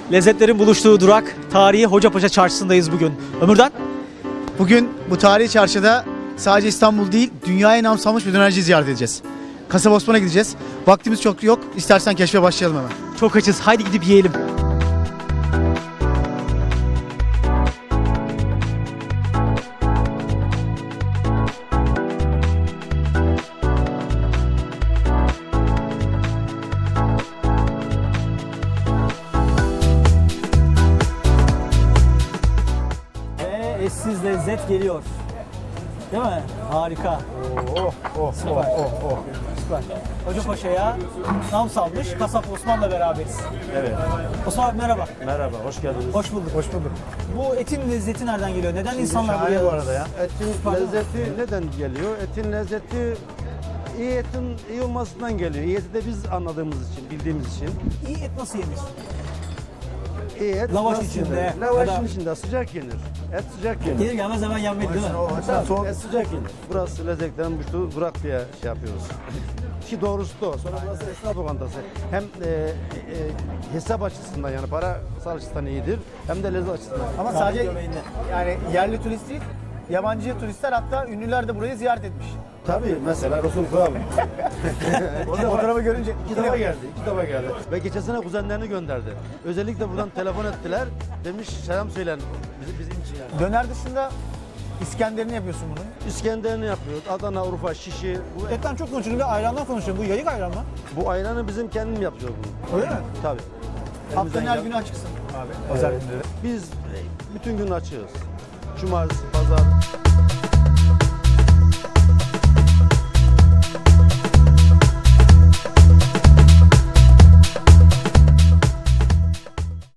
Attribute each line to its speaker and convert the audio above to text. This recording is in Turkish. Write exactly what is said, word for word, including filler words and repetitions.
Speaker 1: Lezzetlerin buluştuğu durak, tarihi Hocapaşa Çarşısı'ndayız bugün. Ömürden?
Speaker 2: Bugün bu tarihi çarşıda sadece İstanbul değil, dünyaya nam salmış bir dönerciyi ziyaret edeceğiz. Kasap Osman'a gideceğiz. Vaktimiz çok yok. İstersen keşfe başlayalım hemen.
Speaker 1: Çok açız. Haydi gidip yiyelim. Ve eşsiz lezzet geliyor. Değil mi? Harika.
Speaker 2: Oh, oh,
Speaker 1: Süper.
Speaker 2: oh, oh.
Speaker 1: Süper. Hocapaşa'ya nam salmış Kasap Osman'la beraberiz.
Speaker 3: Evet.
Speaker 1: Osman abi merhaba.
Speaker 3: Merhaba, hoş geldiniz.
Speaker 1: Hoş bulduk.
Speaker 2: Hoş bulduk.
Speaker 1: Bu etin lezzeti nereden geliyor? Neden insanlar
Speaker 2: şahane
Speaker 1: buraya...
Speaker 2: bu arada ya.
Speaker 3: Etin
Speaker 1: Pardon.
Speaker 3: lezzeti neden geliyor? Etin lezzeti iyi etin iyi olmasından geliyor. İyi eti de biz anladığımız için, bildiğimiz için.
Speaker 1: İyi et nasıl yenir?
Speaker 3: İyi et
Speaker 1: Lavaş
Speaker 3: nasıl
Speaker 1: içinde
Speaker 3: yenir?
Speaker 1: ya
Speaker 3: Lavaşın
Speaker 1: da-
Speaker 3: içinde sıcak yenir. Et sıcak yenir.
Speaker 1: Gelir gelmez hemen yenmeli değil mi?
Speaker 3: Tabii,
Speaker 2: Soğuk.
Speaker 3: et sıcak yenir. Burası lezzetlerin buluştuğu durak diye şey yapıyoruz. Ki doğrusu da o. Sonra burası esnaf lokantası. Hem e, e, hesap açısından yani para açısından iyidir. Hem de lezzet açısından.
Speaker 2: Ama
Speaker 1: Kahve
Speaker 2: sadece
Speaker 1: göbeğinde.
Speaker 2: yani yerli turist değil, yabancı turistler hatta ünlüler de burayı ziyaret etmiş.
Speaker 3: Tabii mesela Resul Kral.
Speaker 2: Orada fotoğrafı görünce
Speaker 3: İki defa geldi, iki defa geldi. Ve geçen sene kuzenlerini gönderdi. Özellikle buradan telefon ettiler. Demiş selam söylen bizim, bizim için yani.
Speaker 2: döner dışında İskender'ini yapıyorsun bunun.
Speaker 3: İskender'ini yapıyoruz. Adana, Urfa, Şişi. Bu,
Speaker 1: Etten çok konuşuyorum ve ayrandan konuşuyorum. Bu yayık ayran mı?
Speaker 3: bu ayranı bizim kendim yapıyoruz bunu.
Speaker 2: Öyle mi?
Speaker 3: Tabii.
Speaker 2: Haftanın
Speaker 3: Elimizden
Speaker 2: her
Speaker 3: gel-
Speaker 2: günü açıksın abi.
Speaker 3: Evet. Biz e, bütün gün açığız. Cumartesi, pazar.